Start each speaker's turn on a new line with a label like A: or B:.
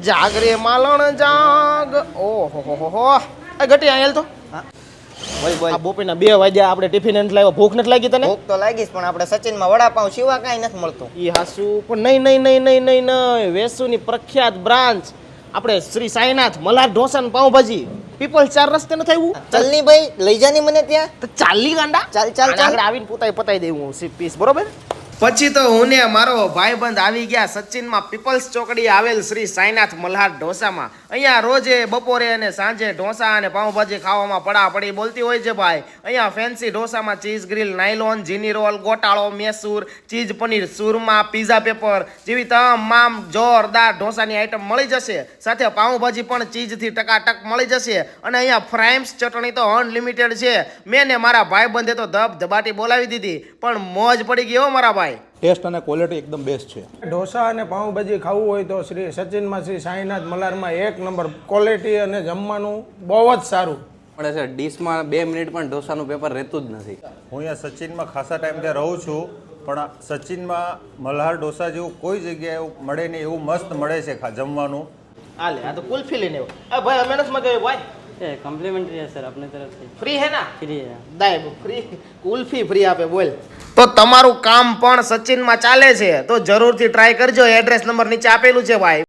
A: જાગરે માલણ જાગ. ઓહો હો હો. આ ગટી આયેલ તો
B: બોલ બોલ.
A: આ બપોરના 2 વાગ્યા આપણે ટિફિન નથી લાવ્યો. ભૂખ નથી લાગી તને?
B: ભૂખ તો લાગીશ પણ આપણે સચિનમાં વડાપાઉં સિવા કાંઈ નથી મળતું.
A: ઈ હાસુ પણ નહીં વેસુની પ્રખ્યાત બ્રાન્ચ આપણે શ્રી સાઈનાથ મલ્હાર ઢોસા ને પાઉંભાજી પીપલ્સ 4 રસ્તે નથી આવ્યું?
B: ચાલની ભાઈ લઈ જાની મને ત્યાં.
A: તો ચાલી ગાંડા
B: ચાલ ચાલ ચાલ.
A: આગળ આવીને પતાઈ દેવું પીસ બરોબર. પછી તો હું ને મારો ભાઈબંધ આવી ગયા સચિનમાં પીપલ્સ ચોકડી આવેલ શ્રી સાઈનાથ મલ્હાર ઢોસામાં. અહીંયા રોજે બપોરે અને સાંજે ઢોસા અને પાઉંભાજી ખાવામાં પડાપડી બોલતી હોય છે ભાઈ. અહીંયા ફેન્સી ઢોસામાં ચીઝ ગ્રીલ, નાયલોન, જીની રોલ, ગોટાળો, મેસૂર, ચીઝ પનીર, સુરમા, પીઝા પેપર જેવી તમામ જોરદાર ઢોસાની આઈટમ મળી જશે. સાથે પાઉંભાજી પણ ચીઝથી ટકાટક મળી જશે. અને અહીંયા ફ્રાઈમ્સ ચટણી તો અનલિમિટેડ છે. મેં ને મારા ભાઈબંધે તો ધબધબાટી બોલાવી દીધી પણ મોજ પડી ગઈ હો મારા ભાઈ.
C: ટેસ્ટ અને ક્વોલિટી એકદમ બેસ્ટ છે.
D: ઢોસા અને પાઉંભાજી ખાવું હોય તો શ્રી સચિનમાં શ્રી સાઈનાથ મલ્હારમાં 1 નંબર ક્વોલિટી અને જમવાનું બહુ જ સારું
E: મળે છે. ડીશમાં 2 મિનિટ પણ ઢોસાનું પેપર રહેતું જ નથી.
F: હું અહીંયા સચિનમાં ખાસા ટાઈમથી રહું છું પણ સચિનમાં મલ્હાર ઢોસા જેવું કોઈ જગ્યાએ એવું મળે નહીં એવું મસ્ત મળે છે જમવાનું.
A: હાલે આ તો કુલ્ફી લઈને આવ્યો. ભાઈ અમે નથી મગાવ્યું ભાઈ.
G: कम्प्लीमेंट्री है सर अपने तरफ से.
A: ફ્રી હે ના?
G: फ्री है.
A: દાય ફ્રી કુલ્ફી ફ્રી આપે બોલ. તો તમારું કામ પણ સચિનમાં ચાલે છે તો જરૂરથી ટ્રાય કરજો. એડ્રેસ નંબર નીચે આપેલું છે ભાઈ.